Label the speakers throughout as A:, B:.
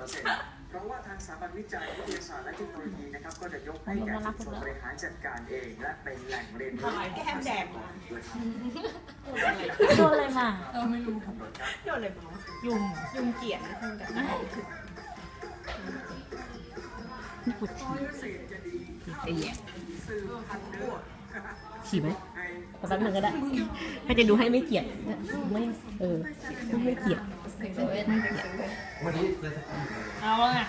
A: เพราะว่าทางสถาบันวิจัยวิทยาศาสตร์และเทคโนโลยีนะครับก็จะยกให้แก่ชุมชนบริหารจัดการเองและเป็นแหล่งเรียนรู้
B: แก้มแดงมา
C: โดนอะไรมา
B: ไม่รู้โดนอะไรมายุงเกียดนะคุณกัน
C: ไอ้แย่ฉี่ไหมแป๊บนึงก็ได้ถ้าจะดูให้ไม่เกลียดไม่ไม่เกลียด
B: เอาไง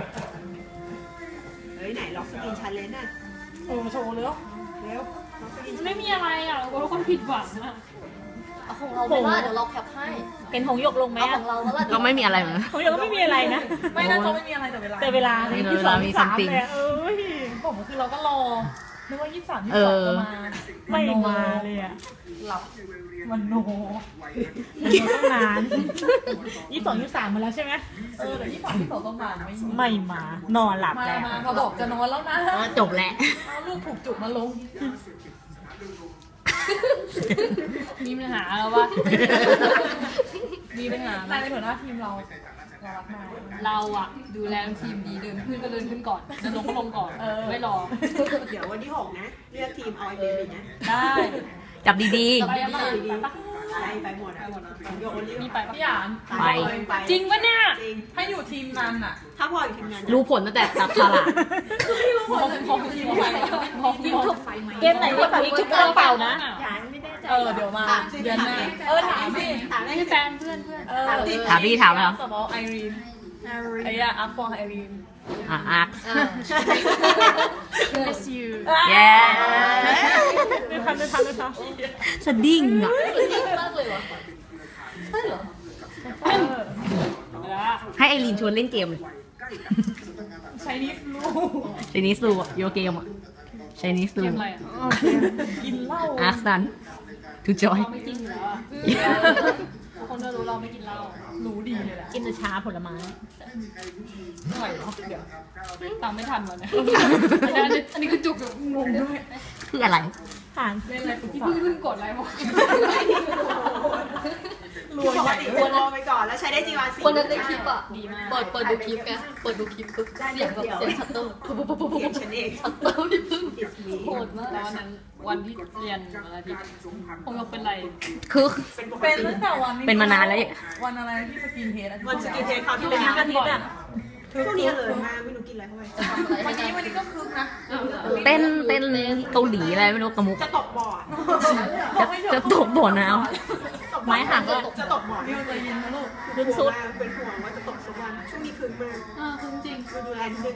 B: เฮ้ยไหนล็อกสกินชันเลนน่ะโชว์เร็ว
D: ไม่มีอะไรอ่ะเราคนผิดหวังอ่ะ
E: ของเราไม่ว่าเดี๋ยวเราแคปให้
C: เป็นหงยกลงไหม
E: ของเรา
C: ก็ไม่มีอะไรเหมือนหงยกก็ไม่มีอะไรนะ
B: ไม่น่าจะไม่มีอะไรแต่เวลา
C: ที่2 3
B: เลยผมคือเราก็รอนึกว่า23 22จะมา
C: ไม่มาเลยอ่ะ
B: หลับมันโน
C: ต้องนาน22 23มาแล้วใช่ไหม
B: แต่23 22ต้องมา
C: ไม่มานอนหลับแล้ว
B: เขาบอกจะนอนแล้วนะ
C: จบแล้ว
B: เอาลูกผูกจุกมาลง
D: มีปัญหาแล้ววะมีปัญหา
B: ในหัวหน้าทีมเรา
D: เราอะดูแลทีมดีเดินขึ้นก็เดินขึ้นก่อนเดินลงก็ลงก่อนไม่รอ
B: เดี๋ยววันที่6นะเรียกทีมเอาไอเบลนะ
D: ได้
C: จับดี
D: ๆ
B: ไปหมดโยน
D: นี่ไป
B: พี่หยาน
D: ไปจริงปะเนี่ย
B: ถ้าอยู่ทีมนั้นอะถ้าพออยู่ทีมนั้น
C: รู้ผลตั้งแต่จับฉลาก
D: ทีมถูก
C: เกมไหนก็แบบนี้ชุดเปล่านะ
B: เดี๋ยวมาเดือนหน้าถามสิ
D: ถามให้แฟนเพื่อน
C: ถามพี่ถามแล้ว
B: สมอลไอรีนไอ้อะอัพฟอร์ไอรีน
C: อาร์ค
D: miss you
C: เย้
B: ไม่ทัน
C: สดิ้งอ่ะ
E: มากเลยวะใช่เหรอ
C: ให้ไอรีนชวนเล่นเกมเลย
B: ใช้นิส
C: ลูโยเกมอ่ะใช้นิสลู
B: กินเหล้า
C: อาร์ซันทูจอย
D: ไม่กินอยู่แล้วอ่ะคนจะรู้เราไม่กินเหล้า
B: รู้ดีเลยแหละ
C: กินแต่ชาผลไม้
B: ไม่ไหวหรอกเดี๋ยว
D: ตามไม่ทันวันนี้อันนี้คือจุกงงด้วย
C: คืออะไร
D: ผ่านเล่นอะไรพี่เพิ่งกดอะไรบอก
B: รวยใหญ่รอไปก่อนแล้วใช้ได้จีวาสี
E: คนนั้นในคลิปอ่ะดีมากเปิดดูคลิปไงเปิดดูคลิปปุ๊บเสียงแบบเสียงชัตเตอร์
B: ปุ๊บฉันเอง
E: ชัตเตอร์พี่พึ่งโหดมาก
D: แล้ววันที่เรียนวันอาทิตย์ผมยกเป็นไร
C: คือ
B: เป็นตั้งแต่วัน
C: เป็นมานานแล้ว
B: วันอะไรที่สกินเทสวันสกินเทสเขาที่เป็นอาทิตย์อ่ะพวกนี้เลยมาไม่รู้กินอะไรเข้าไปวันนี้ก็คึกนะ
C: เต้นเกาหลีอะไรไม่รู้กระมุก
B: จะตกบ่อ
C: จะตกบ่อน้ำไม้หัก
B: จะตกบ่อนี่มันจะยินนะลูก
C: ขึ้นสุด
B: เป็นห่วงว่าจะตกสักวันช่วงนี้คึกมาก
D: คึกจริง
B: ดูแลนิดนึง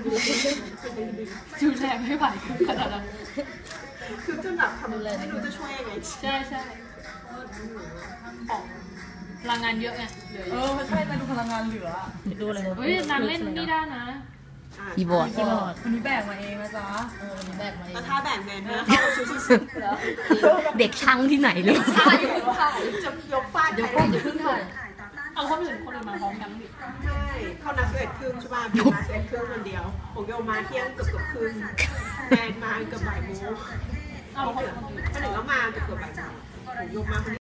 D: ดูแลไม่ไหวขนาดนั้น
B: คือจนแบบทำอะไรไม่รู้จะช่วยยังไง
D: ใช่ของพลังงานเยอะไง
B: ใช่มาดูพลังงานเหลือ
C: ดูอะไร
D: เฮ้ยนางเล่นนี่ได้นะ
C: คีย์บอร์ด
B: วันนี้แบกมาเองนะจ๊ะ
E: วันนี้แบกมาเอง
B: แล้วถ้าแบกแมนนะเขาสุด
C: เด็กช่างที่ไหนเลย
E: ใช่
B: จะยกฟาด
E: เดี๋ยวขึ้นถ่าย
D: เอาคนอื่นมาพร้อมกันดิ
B: ใช่เขานัด11 ครึ่งใช่ป่ะเป็นนัด11 ครึ่งวันเดียวผมโยมาเที่ยงเกือบครึ่งแมนมาเกือบบ่ายโมงคนหนึ่งก็มาเกือบบ่ายโมงผมโยมา